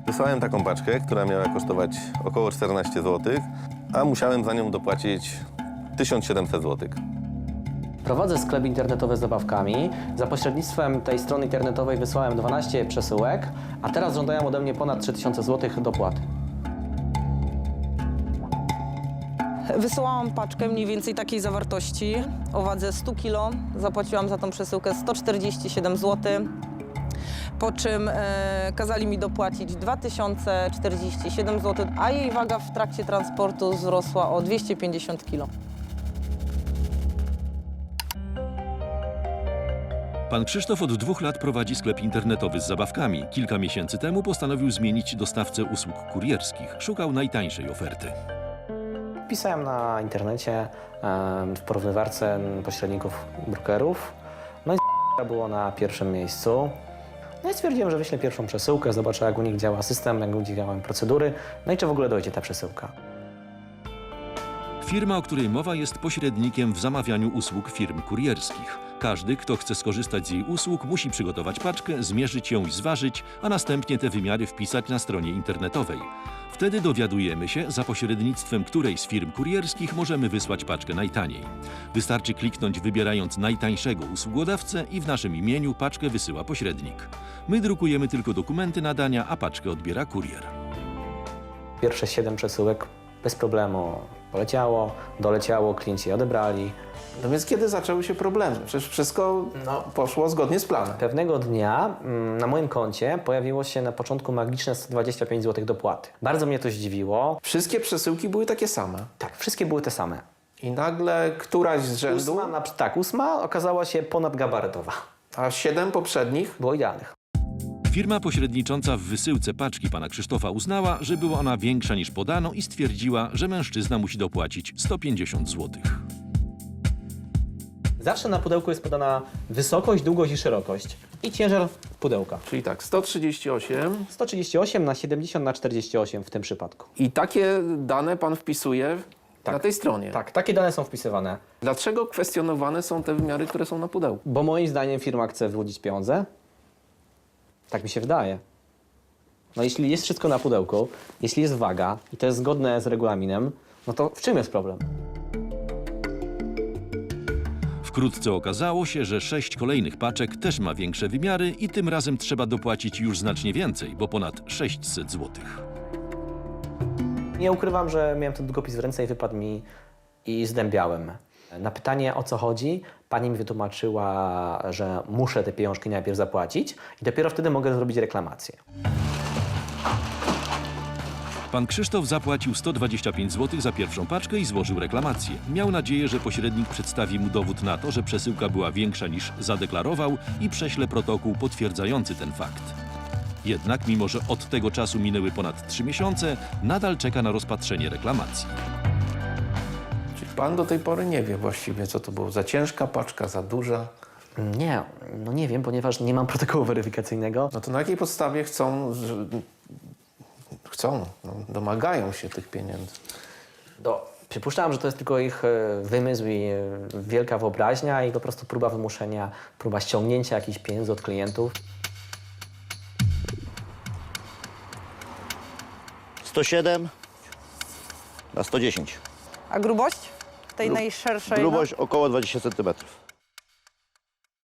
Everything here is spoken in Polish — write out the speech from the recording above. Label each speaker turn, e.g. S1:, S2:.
S1: Wysłałem taką paczkę, która miała kosztować około 14 zł, a musiałem za nią dopłacić 1700 zł.
S2: Prowadzę sklep internetowy z zabawkami. Za pośrednictwem tej strony internetowej wysłałem 12 przesyłek, a teraz żądają ode mnie ponad 3000 zł dopłaty.
S3: Wysyłałam paczkę mniej więcej takiej zawartości o wadze 100 kg. Zapłaciłam za tą przesyłkę 147 zł, po czym kazali mi dopłacić 2047 zł, a jej waga w trakcie transportu wzrosła o 250 kg.
S4: Pan Krzysztof od 2 lat prowadzi sklep internetowy z zabawkami. Kilka miesięcy temu postanowił zmienić dostawcę usług kurierskich. Szukał najtańszej oferty.
S2: Pisałem na internecie w porównywarce pośredników brokerów. No i było na pierwszym miejscu. No i stwierdziłem, że wyślę pierwszą przesyłkę, zobaczę jak u nich działa system, jak u nich działają procedury, no i czy w ogóle dojdzie ta przesyłka.
S4: Firma, o której mowa, jest pośrednikiem w zamawianiu usług firm kurierskich. Każdy, kto chce skorzystać z jej usług, musi przygotować paczkę, zmierzyć ją i zważyć, a następnie te wymiary wpisać na stronie internetowej. Wtedy dowiadujemy się, za pośrednictwem której z firm kurierskich możemy wysłać paczkę najtaniej. Wystarczy kliknąć, wybierając najtańszego usługodawcę i w naszym imieniu paczkę wysyła pośrednik. My drukujemy tylko dokumenty nadania, a paczkę odbiera kurier.
S2: Pierwsze 7 przesyłek bez problemu poleciało, doleciało, klienci je odebrali.
S5: No więc kiedy zaczęły się problemy? Przecież wszystko poszło zgodnie z planem.
S2: Pewnego dnia na moim koncie pojawiło się na początku magiczne 125 zł dopłaty. Bardzo mnie to zdziwiło.
S5: Wszystkie przesyłki były takie same.
S2: Tak, wszystkie były te same.
S5: I nagle któraś z rzędu,
S2: Ósma okazała się ponadgabarytowa.
S5: a 7 poprzednich.
S2: Było idealnych.
S4: Firma pośrednicząca w wysyłce paczki pana Krzysztofa uznała, że była ona większa niż podano i stwierdziła, że mężczyzna musi dopłacić 150 zł.
S2: Zawsze na pudełku jest podana wysokość, długość i szerokość i ciężar pudełka.
S5: Czyli tak, 138.
S2: 138 na 70 na 48 w tym przypadku.
S5: I takie dane pan wpisuje na tej stronie.
S2: Tak, takie dane są wpisywane.
S5: Dlaczego kwestionowane są te wymiary, które są na pudełku?
S2: Bo moim zdaniem firma chce wyłudzić pieniądze. Tak mi się wydaje. No jeśli jest wszystko na pudełku, jeśli jest waga i to jest zgodne z regulaminem, no to w czym jest problem?
S4: Wkrótce okazało się, że 6 kolejnych paczek też ma większe wymiary i tym razem trzeba dopłacić już znacznie więcej, bo ponad 600 zł.
S2: Nie ukrywam, że miałem ten długopis w ręce i wypadł mi i zdębiałem. Na pytanie, o co chodzi, pani mi wytłumaczyła, że muszę te pieniążki najpierw zapłacić i dopiero wtedy mogę zrobić reklamację.
S4: Pan Krzysztof zapłacił 125 zł za pierwszą paczkę i złożył reklamację. Miał nadzieję, że pośrednik przedstawi mu dowód na to, że przesyłka była większa niż zadeklarował i prześle protokół potwierdzający ten fakt. Jednak, mimo że od tego czasu minęły ponad 3 miesiące, nadal czeka na rozpatrzenie reklamacji.
S5: Czyli pan do tej pory nie wie właściwie, co to było. Za ciężka paczka, za duża.
S2: Nie, no nie wiem, ponieważ nie mam protokołu weryfikacyjnego.
S5: No to na jakiej podstawie domagają się tych pieniędzy?
S2: Przypuszczam, że to jest tylko ich wymysł i wielka wyobraźnia i po prostu próba wymuszenia, próba ściągnięcia jakichś pieniędzy od klientów.
S6: 107 na 110.
S3: A grubość tej najszerszej?
S6: Grubość około 20 cm.